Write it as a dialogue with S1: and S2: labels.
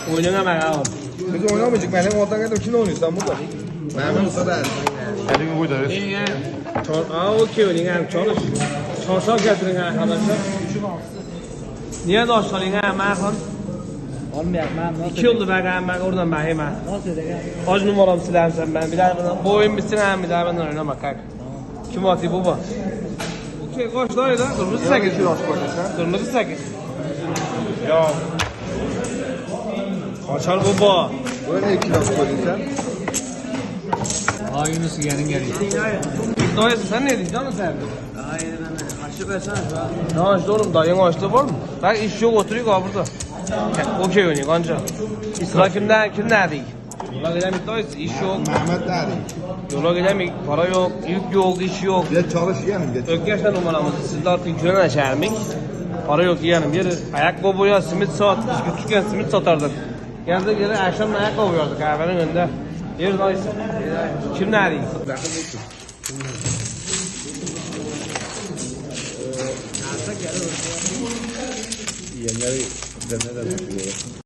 S1: Oynayamam abi.
S2: Biz oynamayacak. Benim ortadan geldim. Kim oynuyorsan burada? Mehmet Usta da.
S3: Elini koy da ver.
S1: Okey oynayalım. Çalış. Çalışan getirin arkadaşlar. Niye de aşağılayın ha Merhan?
S4: Olmayacak ben.
S1: 2 yıldır ben oradan ben hemen.
S4: Nasıl edeceğim?
S1: Kaç numaram silersen ben. Bir daha bana bu oyun bitsin hem bir daha benden oynamak kanka. Kim atıyor baba? Okey kaç tane da? Kırmızı 8. Kırmızı 8. Ya. Kaçar baba.
S2: Böyle 2 laf koydun
S4: Aa Yunus gelin geliyor.
S1: Dayısı sen ne diyorsun canım sen?
S4: Hayır ben açlık versene şu an.
S1: Ne açtı oğlum dayın açtı var mı? Bak iş yok oturuyor abi burada. Okey oynuyor kanca. Sıra kimler değil? Yola gidemek dayısı iş yok.
S2: Mehmet nerede?
S1: Yola gidemek para yok, yük yok, iş yok.
S2: Geç çalış yeğenim geç.
S1: Ökkeş'ten numaramızı sizde artık güven açarmış. Para yok yiyelim. Yeri ayakkabıya simit sat. Biz küçükken simit satardık. Geldi geri akşam ayakkabı yiyorduk kahvenin önünde. Yeri dayısı. Kim nerede?
S2: Yeğenleri de ne demek?